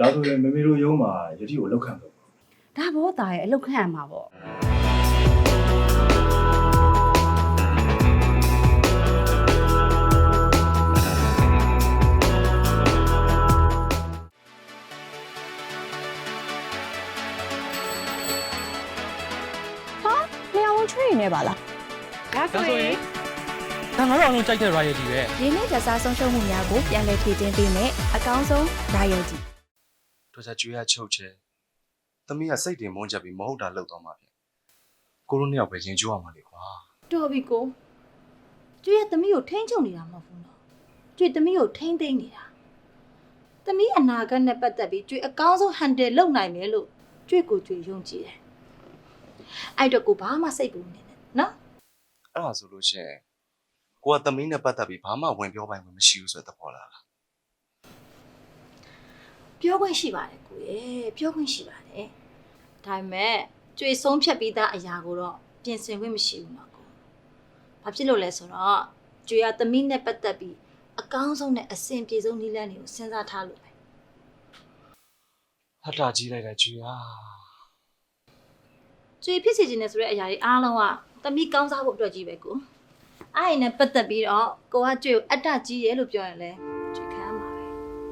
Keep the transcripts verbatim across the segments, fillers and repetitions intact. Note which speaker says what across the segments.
Speaker 1: ဒါဆိုရင်မမေတို့ရုံးမှာယတိကိုလောက်ခံတော့
Speaker 2: ဒါဘောသားရဲ့အလောက်ခံရမှာပေါ့
Speaker 3: ထွေးနေပါလား
Speaker 2: ဒါဆိုရင်
Speaker 4: ဒါငါတို့အောင်လုံးကြိုက်တဲ့ royalty ပဲ
Speaker 3: ရင်းနှီးကြစားဆုံးရှုံးမှုများကိုပြန်လည်ဖြည့်တင်းပေးမယ်အကောင်းဆုံး royalty
Speaker 5: တို့စားကျွေးရချုပ်ချဲသမီးကစိတ်တင်မုန်းချက်ပြီးမဟုတ်တာလှုပ်သွားမှာဖြစ်ကိုတို့နှစ်ယောက်ပဲရင်ကျိုးအောင်ပါလေကွာ
Speaker 6: တော်ပြီကိုကျွေးရဲ့သမီးကိုထိန်းချုပ်နေတာမဟုတ်ဘူးနော်ကျွေးသမီးကိုထိန်းသိမ်းနေတာသမီးအနာဂတ်နဲ့ပတ်သက်ပြီးကျွေးအကောင်းဆုံး handle လုပ်နိုင်မယ်လို့ကျွေးကိုကျွေးယုံကြည်တယ်အဲ့တော့ကိုဘာမှစိတ်ပူနေနဲ့နော်
Speaker 5: အဲ့ဒါဆိုလို့ရှိရင်ကိုကသမီးနဲ့ပတ်သက်ပြီးဘာမှဝင်ပြောပိုင်မှမရှိဘူးဆိုတဲ့သဘောလား
Speaker 6: ပြောခွင့်ရှိပါတယ်ကိုရေပြောခွင့်ရှိပါတယ်ဒါပေမဲ့ကျွေဆုံးဖြတ်ပြီးသားအရာကိုတော့ပြင်ဆင်ခွင့်မရှိဘူးနော်ကိုဘာဖြစ်လို့လဲဆိုတော့ကျွေကသမီးနဲ့ပတ်သက်ပြီးအကောင်းဆုံးနဲ့အဆင်ပြေဆုံးနည်းလမ်းတွေကိုစဉ်းစားထားလို့ပဲ
Speaker 5: ဟတ်တာကြီးလိုက်တာကျွေးဟာ
Speaker 6: ကျွေဖြစ်စီခြင်းနဲ့ဆိုတဲ့အရာတွေအားလုံးကသမီးကောင်းစားဖို့အတွက်ကြီးပဲကိုအဲ့ဒီနဲ့ပတ်သက်ပြီးတော့ကိုကကျွေကိုအတ္တကြီးရဲလို့ပြောရင်လဲကျွေခံရမှာပဲ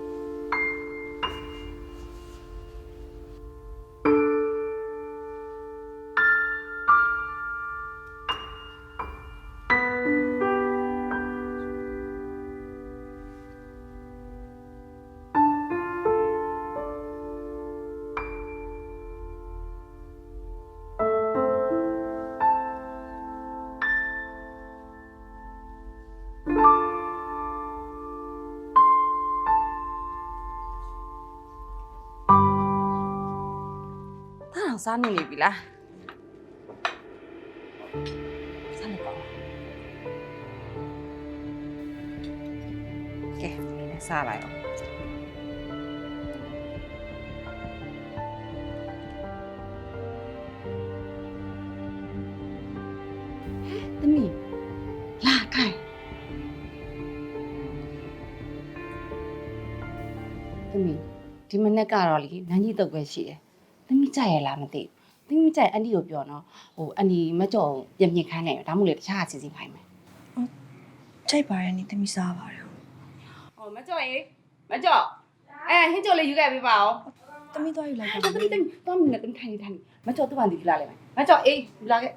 Speaker 2: စားနေပြီလားစားနေပါကဲဒီနဲ့စားလိုက်အောင်သမီးလာခိုင်သမီးဒီမနေ့ကတော့လေနန်းကြီးတုတ်ပဲရှိတယ်သမီးကြိုက်ရလားမသိဘူးသမီးကြိုက်အန်တီကိုပြောနော်ဟိုအန်တီမကြော်ပြင်ပြင်ခိုင်းနေတယ်ဒါမှမဟုတ်လေတခြားအစီအစဉ်ခိုင်းမယ်
Speaker 3: ကြိုက်ပါရဲ့နိသမီးစားပါတယ်
Speaker 2: ဟိုမကြော်ရေမကြော်အဲဟင်းကြော်လေးယူခဲ့ပေးပါဦး
Speaker 3: သမီးသွားယူလိုက်ပါ
Speaker 2: သမီးသမီးတော့မင်းနဲ့သမီးထိုင်နေထိုင်နေမကြော်သူ့ဘာဒီလာလိုက်မယ်မကြော်အေးယူလာခဲ့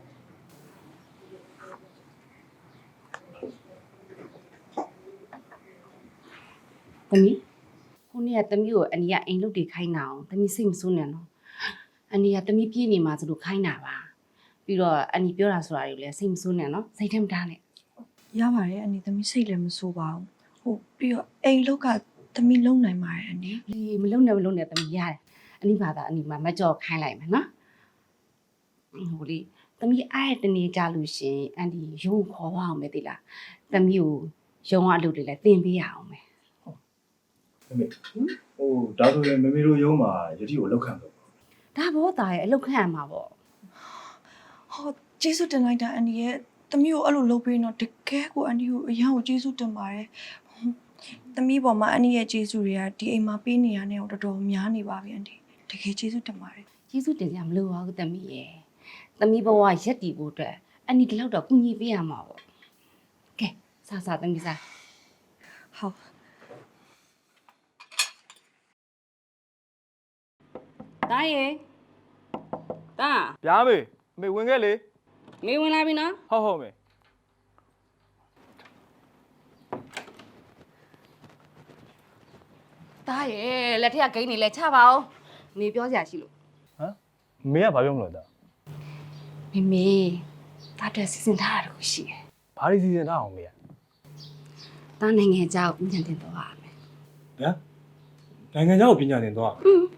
Speaker 2: သမီးခုနေ့ကသမီးကိုအန်တီကအိမ်လုတ်တွေခိုင်းတာအောင်သမီးစိတ်မဆိုးနဲ့နော်အန်တီကသမီးပြေးနေမှာဆိုလို့ခိုင်းတာပါပြီးတော့အန်တီပြောတာဆိုတာတွေလည်းစိတ်မဆိုးနဲ့နော်စိတ်ထဲမထားနဲ့
Speaker 3: ရပါတယ်အန်ဒီသမီးစိတ်လည်းမဆိုးပါဘူးဟုတ်ပြီးတော့အိမ်လောက်ကသမီးလုံနိုင်ပါတယ်အန်ဒီ
Speaker 2: လေမလုံနဲ့မလုံနဲ့သမီးရတယ်အနိဘာသာအနိမမကြော်ခိုင်းလိုက်မယ်နော်ဟိုလေသမီးအားရတနေကြလို့ရှင်အန်တီရုံးခေါ်ပါအောင်မယ်တိလားသမီးကိုရုံးအလုပ်တွေလည်းတင်ပေးရအောင်မယ်
Speaker 1: မမေဟိုဒါဆိုရင်မမေတို့ရုံးမှာယတိကိုလောက်ခံတော့
Speaker 2: ဒါဘောသားရဲ့အလောက်ခံရမှာပေါ့
Speaker 3: ဟောကျေးဇူးတင်လိုက်တာအန်ဒီရဲ့သမီးကိုအဲ့လိုလုပ်ပေးတော့တကယ်ကိုအန်ဒီကိုအရန်ကိုကျေးဇူးတင်ပါတယ်သမီးပေါ်မှာအန်ဒီရဲ့ကျေးဇူးတွေကဒီအိမ်မှာပေးနေရတဲ့တော်တော်များနေပါပြီအန်ဒီတကယ်ကျေးဇူးတင်ပါတယ်
Speaker 2: ကျေးဇူးတင်ကြမလို့ပါဘူးသမီးရဲ့သမီးဘဝရက်တည်ဖို့အတွက်အန်တီဒီလောက်တော့ကူညီပေးရမှာပေါ့ကဲစားစားသမီးစား
Speaker 3: ဟုတ်
Speaker 2: တားရေတား
Speaker 4: ဗျာမေအမေဝင်ခဲ့လေ
Speaker 2: မေဝင်လာပြီနော်
Speaker 4: ဟုတ်ဟုတ်မေ
Speaker 2: တားရေလက်ထက်ကဂိမ်းနေလဲချပါအောင်မေပြောစရာရှိလို့
Speaker 4: ဟမ်မေကဘာပြောမလို့တာ
Speaker 2: မေမေတားတဲ့စီစဉ်ထားတာတခုရှိတယ်
Speaker 4: ဘာလို့စီစဉ်ထားအောင်မေက
Speaker 2: တားနိုင်ငံเจ้าကိုညံတင်တော့ရမယ်
Speaker 1: ဟမ်နိုင်ငံခြားကိုပညာသင်သွား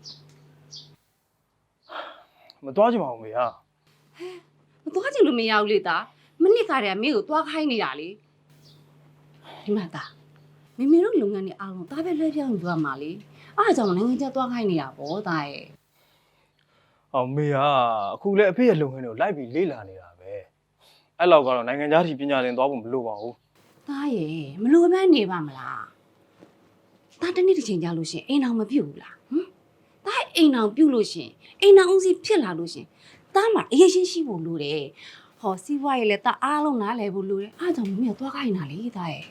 Speaker 4: မသွားချင်ပါဘူးမေဟာ
Speaker 2: မသွားချင်လို့မရဘူးလေတာမနစ်ကတည်းကမေကိုသွားခိုင်းနေတာလေဒီမှာတာမေမေတို့လုပ်ငန်းတွေအားလုံးတားပဲလွှဲပြောင်းယူရမှာလေအားကြောင့်နိုင်ငံခြားသွားခိုင်းနေတာပေါ့တာရဲ့
Speaker 4: အော်မေဟာအခုလည်းအဖေရဲ့လုပ်ငန်းတွေကိုလိုက်ပြီးလေ့လာနေတာပဲအဲ့လောက်ကတော့နိုင်ငံခြားထိပညာသင်သွားဖို့မလိုပါဘူး
Speaker 2: တာရဲ့မလိုမှန်းနေပါမလားတာတနေ့တစ်ချိန်ကြာလို့ရှင်အိမ်အောင်မပြုတ်ဘူးလားဟမ်အိမ်အောင်ပြုတ်လို့ရှင်အိမ်အောင်ဦးစီးဖြစ်လာလို့ရှင်တားမှာအရေးရှင်းရှိဖို့လိုတယ်ဟောစီးပွားရေးလည်းတားအားလုံးနားလည်ဖို့လိုတယ်အားကြောင့်မမေကသွားခိုင်းတာလေတားရဲ့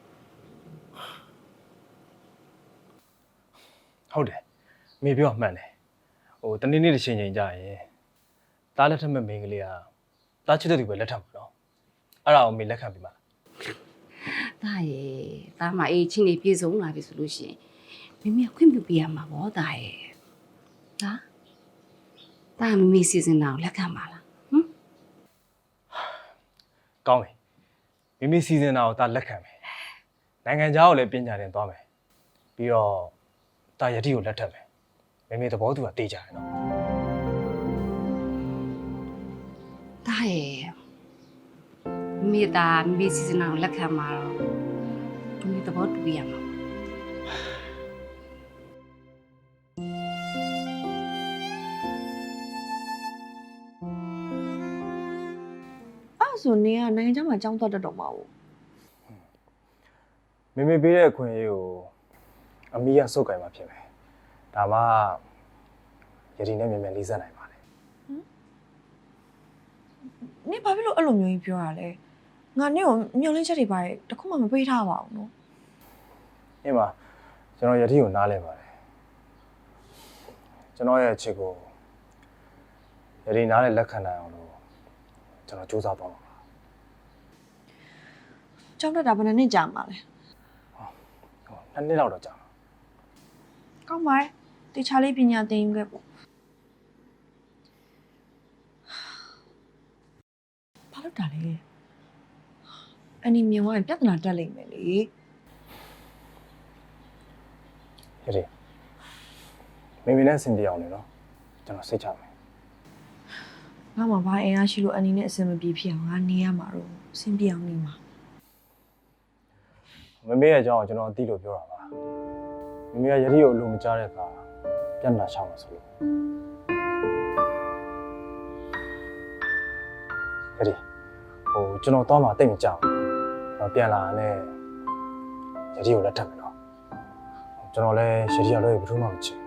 Speaker 4: ဟုတ်တယ်မေပြောမှန်တယ်ဟိုတနေ့နေ့တစ်ချိန်ချိန်ကြာရင်တားလက်ထက်မဲ့မိန်းကလေးကတားချစ်တဲ့သူပဲလက်ထပ်မှာနော်အဲ့ဒါကိုမေလက်ခံပြီးမှလား
Speaker 2: တားရဲ့တားမှာအေးချင်းနေပြေဆုံးလာပြီဆိုလို့ရှင်မမေကခွင့်ပြုပေးရမှာဗောတားရဲ့ဟာတားမမေစီစဉ်တာကိုလက်ခံပါလားဟမ်
Speaker 4: ကောင်းပြီမိမိစီစဉ်တာကိုတားလက်ခံမယ်နိုင်ငံခြားကိုလည်းပညာသင်သွားမယ်ပြီးတော့တားယတိကိုလက်ထပ်မယ်မိမိသဘောသူကတေးကြတယ်နော်
Speaker 2: တားရဲ့မိသားမိစီစဉ်တာကိုလက်ခံမှာတော့မိသဘောတူရမှာ
Speaker 3: အဲ့ဆိုနေကနိုင်ငံခြားမှာကြောင်းသွားတတ်တော့မှာဘူး
Speaker 4: မိမိပေးတဲ့အခွင့်အရေးကိုအမီးကစုတ်ကင်မှာဖြစ်မယ်ဒါမှယတိနဲ့မြန်မြန်လေးစားနိုင်ပါလေ
Speaker 3: နေဘာဖြစ်လို့အဲ့လိုမျိုးကြီးပြောရလဲငါနဲ့ကိုမျောလင်းချက်တွေပါတခုမှမပေးထားပါဘူးနော်
Speaker 4: အင်းပါကျွန်တော်ယတိကိုနားလဲပါတယ်ကျွန်တော်ရဲ့အချစ်ကိုယတိနားလဲလက်ခံနိုင်အောင်လို့ကျွန်တော်စူးစမ်းသွားမှာပါ
Speaker 3: ကြောင်းတက်တာဘယ်နှစ်နှစ်ကြာမှာလဲ
Speaker 4: ဟိုနှစ်နှစ်လောက်တော့ကြာမှာ
Speaker 3: ကောင်းပါရဲ့တေချာလေးပညာသင်ယူခဲ့ပေါ့ဘာလို့တာလဲအနီမြင်သွားရင်ပြဿနာတက်လိမ့်မယ်လေ
Speaker 4: ယတိမိမိနဲ့အဆင်ပြေအောင်လေနော်ကျွန်တော်စိတ်ချမယ်
Speaker 3: ငါမှဘာအင်အားရှိလို့အနီနဲ့အဆင်မပြေဖြစ်အောင်ငါနေရမှာတော့အဆင်ပြေအောင်နေမှာ
Speaker 4: မမေရဲ့အကြောင်းကိုကျွန်တော်အသိလို့ပြောတာပါမမေကယတိကိုအလိုမကြားတဲ့အခါပြန်လာချောင်းမှာဆိုလို့ယတိဟိုကျွန်တော်တော့မှတိတ်မကြောက်ကျွန်တော်ပြန်လာနဲ့ယတိကိုလက်ထပ်မယ်နော်ကျွန်တော်လည်းယတိရလို့ဘယ်သူမှမချင်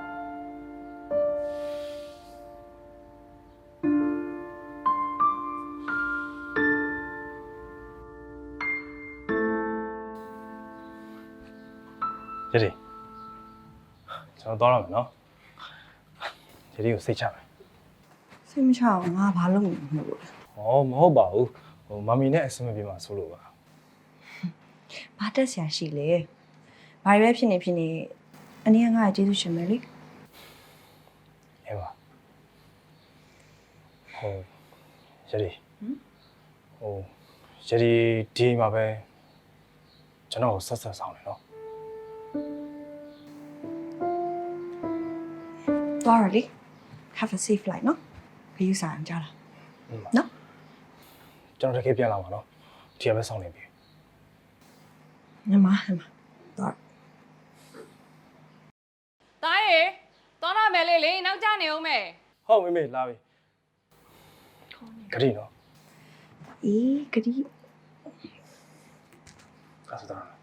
Speaker 4: ယတိကျွန်တော်တော့ရမယ်နော်ယတိကိုစိတ်ချမယ်
Speaker 3: စိတ်မချအောင်ငါဘာလုပ်နေမှာလို့လဲ
Speaker 4: ဟောမဟုတ်ပါဘူးဟိုမမီနဲ့အဆင်မပြေမှာဆိုလို့ပါ
Speaker 3: ဘာတက်ဆရာရှိလဲဘာပဲဖြစ်နေဖြစ်နေအနည်းငါ့ရဲ့ကျေးဇူးရှင်မယ်လေ
Speaker 4: အေးပါဟိုယတိဟိုယတိဒီမှာပဲကျွန်တော်ကိုဆက်ဆက်ဆောင်နေနော်
Speaker 3: သွားရလေ have a safe flight နော်ခရီးစားအောင်ကြားလားနော်
Speaker 4: ကျွန်တော်တကယ်ပြန်လာပါနော်ဒီကပဲဆောင်နေပြီ
Speaker 3: ညီမညီမသွား
Speaker 7: တားရေသွားတော့မယ်လေလေနောက်ကျနေအောင်မယ်
Speaker 4: ဟုတ်မေမေလာပြီဂရီနော်
Speaker 3: အေးဂရီ
Speaker 4: ကားစတာ